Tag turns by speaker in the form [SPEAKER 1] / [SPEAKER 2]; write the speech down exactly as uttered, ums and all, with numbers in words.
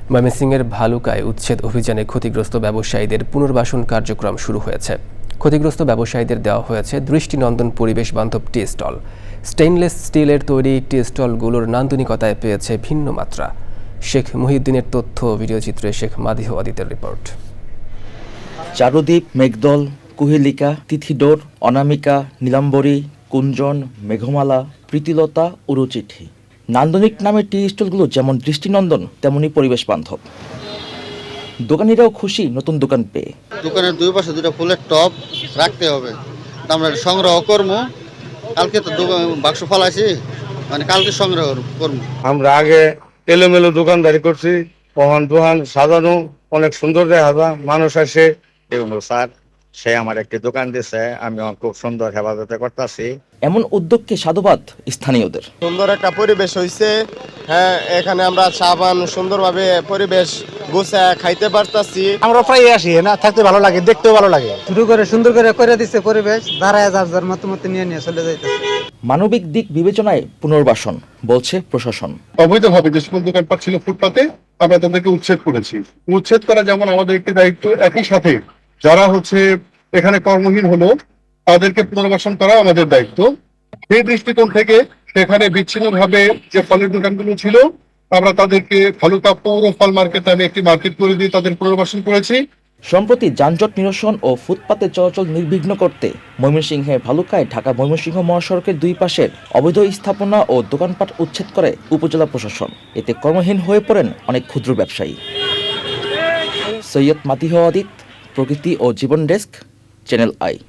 [SPEAKER 1] ময়মনসিংহের ভালুকায় উচ্ছেদ অভিযানে ক্ষতিগ্রস্ত ব্যবসায়ীদের পুনর্বাসন কার্যক্রম শুরু হয়েছে। ক্ষতিগ্রস্ত ব্যবসায়ীদের দেওয়া হয়েছে দৃষ্টিনন্দন পরিবেশ বান্ধব টি স্টল। স্টেইনলেস স্টিলের তৈরি টি স্টলগুলোর নান্দনিকতায় পেয়েছে ভিন্ন মাত্রা। শেখ মুহিউদ্দিনের তথ্য ও ভিডিওচিত্রে শেখ মাদিহ আদিতের রিপোর্ট।
[SPEAKER 2] চারুদ্বীপ, মেঘদল, কুহেলিকা, তিথিডোর, অনামিকা, নীলাম্বরী, কুঞ্জন, মেঘমালা, প্রীতিলতা, উরুচিঠি। নান্দনিক নামের টি স্টলগুলো যেমন দৃষ্টিনন্দন তেমনি পরিবেশ বান্ধব। দোকানিরাও খুশি নতুন দোকান পেয়ে।
[SPEAKER 3] দোকানের দুই পাশে দুটো ফুলের টব রাখতে হবে, আমরা সংগ্রহ করবো। কালকে তো বাক্স ফালাইছি, মানে কালকে সংগ্রহ করবো।
[SPEAKER 4] আমরা আগে এলোমেলো দোকানদারি করছি, ওখান দোকান সাজানো অনেক সুন্দর দেখা যায়, মানুষ আসে।
[SPEAKER 5] এগুলো স্যার সে আমার একটি দোকান দিয়েছে, আমি খুব সুন্দর হেফাজতে করতেছি।
[SPEAKER 2] এমন উদ্যোগকে সাধুবাদ স্থানীয়দের।
[SPEAKER 6] সুন্দর একটা পরিবেশ হয়েছে। হ্যাঁ, এখানে আমরা সাবান সুন্দরভাবে পরিবেশ গুছায় খাইতে পারতাছি।
[SPEAKER 7] আমরা প্রায় আসি না, থাকতে ভালো লাগে, দেখতেও ভালো লাগে।
[SPEAKER 8] শুরু করে সুন্দর করে করে দিচ্ছে পরিবেশ, দাঁড়ায় যার যার মতো মতো নিয়ে নিয়ে চলে যাইতেছে।
[SPEAKER 2] মানবিক দিক বিবেচনায় পুনর্বাসন বলছে প্রশাসন।
[SPEAKER 9] অবৈধভাবে যে সকল দোকানপাট ছিল ফুটপাতে, আমরা তাদেরকে উচ্ছেদ করেছি। উচ্ছেদ করা যেমন আমাদের একটি দায়িত্ব, একই সাথে যারা হচ্ছে এখানে কর্মহীন হলো তাদেরকে পুনর্বাসন করা আমাদের দায়িত্ব। সেই দৃষ্টিকোণ থেকে সেখানে বিচ্ছিন্নভাবে যে ফলের দোকানগুলো ছিল, আমরা তাদেরকে ভালুকা পৌর ফল মার্কেট নামে একটি মার্কেট করে দিয়ে তাদের পুনর্বাসন করেছি।
[SPEAKER 2] সম্প্রতি যানজট নিরসন ও ফুটপাতে চলাচল নির্বিঘ্ন করতে ময়মনসিংহের ভালুকায় ঢাকা ময়মনসিংহ মহাসড়কের দুই পাশের অবৈধ স্থাপনা ও দোকানপাট উচ্ছেদ করে উপজেলা প্রশাসন। এতে কর্মহীন হয়ে পড়েন অনেক ক্ষুদ্র ব্যবসায়ী। সৈয়দ মাদিহ আদিত, প্রকৃতি ও জীবন ডেস্ক, চ্যানেল আই।